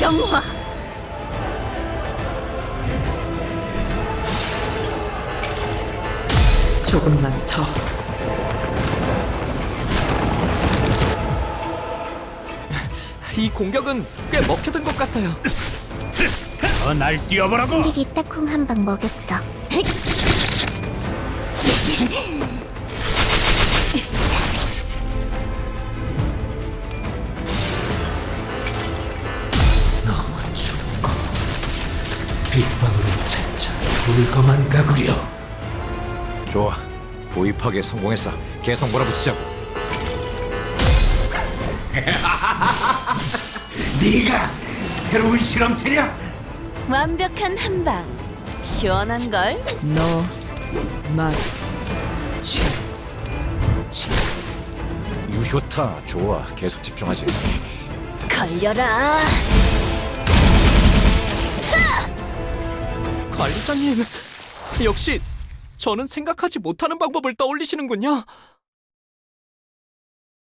정화. 조금만 더. 이 공격은 꽤 먹혀든 것 같아요. 날 뛰어보라고. 승객이 딱콩 한 방 먹였어. 너무 춥고 빗방울은 차차 불거만 가구려. 좋아, 보입하게 성공했어. 계속 몰아붙이자고. 네가 새로운 실험체냐? 완벽한 한방. 시원한 걸. 너, 만, 치. 유효타, 좋아. 계속 집중하지. 걸려라. 관리자님, 역시 저는 생각하지 못하는 방법을 떠올리시는군요.